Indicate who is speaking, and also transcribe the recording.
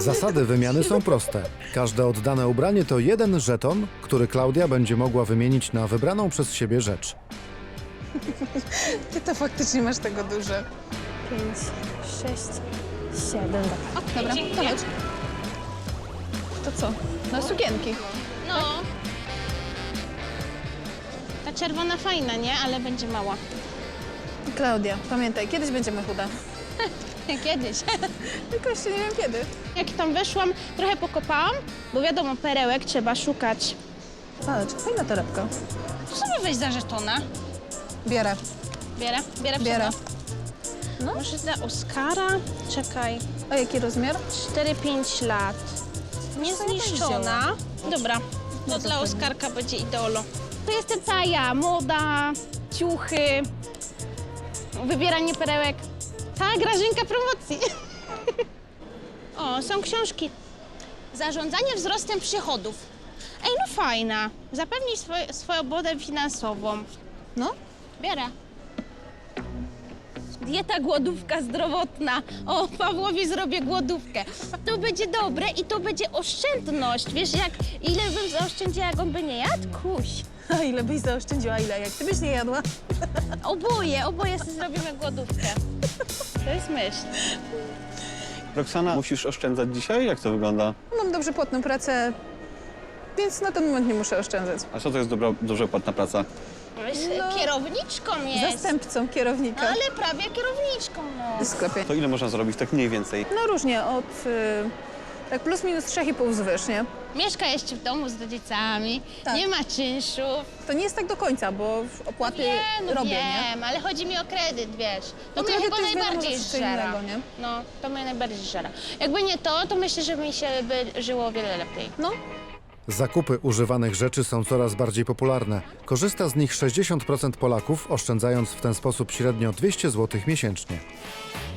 Speaker 1: Zasady wymiany są proste. Każde oddane ubranie to jeden żeton, który Klaudia będzie mogła wymienić na wybraną przez siebie rzecz.
Speaker 2: Ty to faktycznie masz tego dużo.
Speaker 3: 5, 6, 7.
Speaker 2: Dobra, to chodź. To co? Na sukienki.
Speaker 4: No. Ta czerwona fajna, nie? Ale będzie mała.
Speaker 2: Klaudia, pamiętaj, kiedyś będziemy chude.
Speaker 4: Kiedyś.
Speaker 2: Tylko jeszcze nie wiem kiedy.
Speaker 4: Jak tam weszłam, trochę pokopałam, bo wiadomo, perełek trzeba szukać.
Speaker 2: Zobacz, fajna torebka.
Speaker 4: To sobie weź za żetona.
Speaker 2: Bierę.
Speaker 4: Bierę
Speaker 2: Bierę.
Speaker 4: No. Może dla Oskara? Czekaj.
Speaker 2: A jaki rozmiar?
Speaker 4: 4-5 lat. Niezniszczona. Dobra, to dla
Speaker 2: pewnie.
Speaker 4: Oskarka będzie idolo. To jestem ta ja, moda, ciuchy, wybieranie perełek. Ta Grażynka promocji. O, są książki. Zarządzanie wzrostem przychodów. Ej, no fajna. Zapewnij swobodę finansową.
Speaker 2: No.
Speaker 4: Biorę. Dieta, głodówka zdrowotna. O, Pawłowi zrobię głodówkę. To będzie dobre i to będzie oszczędność. Wiesz, ile bym zaoszczędziła, jak on by nie jadł? Kuś.
Speaker 2: A ile byś zaoszczędziła, ile? Jak ty byś nie jadła?
Speaker 4: Oboje sobie zrobimy głodówkę. To jest myśl.
Speaker 5: Roxana, musisz oszczędzać dzisiaj? Jak to wygląda?
Speaker 2: Mam dobrze płatną pracę, więc na ten moment nie muszę oszczędzać.
Speaker 5: A co to jest dobrze płatna praca?
Speaker 4: Jest
Speaker 2: No.
Speaker 4: kierowniczką jest.
Speaker 2: Zastępcą
Speaker 4: No,
Speaker 2: kierownika
Speaker 4: ale prawie kierowniczką, no.
Speaker 2: w sklepie.
Speaker 5: To ile można zarobić tak mniej więcej?
Speaker 2: No różnie, od tak plus minus 3,5 wzwyż, nie?
Speaker 4: Mieszka jeszcze w domu z rodzicami,
Speaker 2: Tak.
Speaker 4: nie ma czynszów.
Speaker 2: To nie jest tak do końca, bo opłaty robię, nie?
Speaker 4: Wiem, ale chodzi mi o kredyt, wiesz. To
Speaker 2: No
Speaker 4: mnie
Speaker 2: kredyt
Speaker 4: chyba
Speaker 2: to jest wiadomo,
Speaker 4: najbardziej
Speaker 2: że coś
Speaker 4: żera.
Speaker 2: innego, nie?
Speaker 4: No, to mnie najbardziej żera. Jakby nie to myślę, że mi się by żyło o wiele lepiej.
Speaker 2: No,
Speaker 1: Zakupy używanych rzeczy są coraz bardziej popularne. Korzysta z nich 60% Polaków, oszczędzając w ten sposób średnio 200 zł miesięcznie.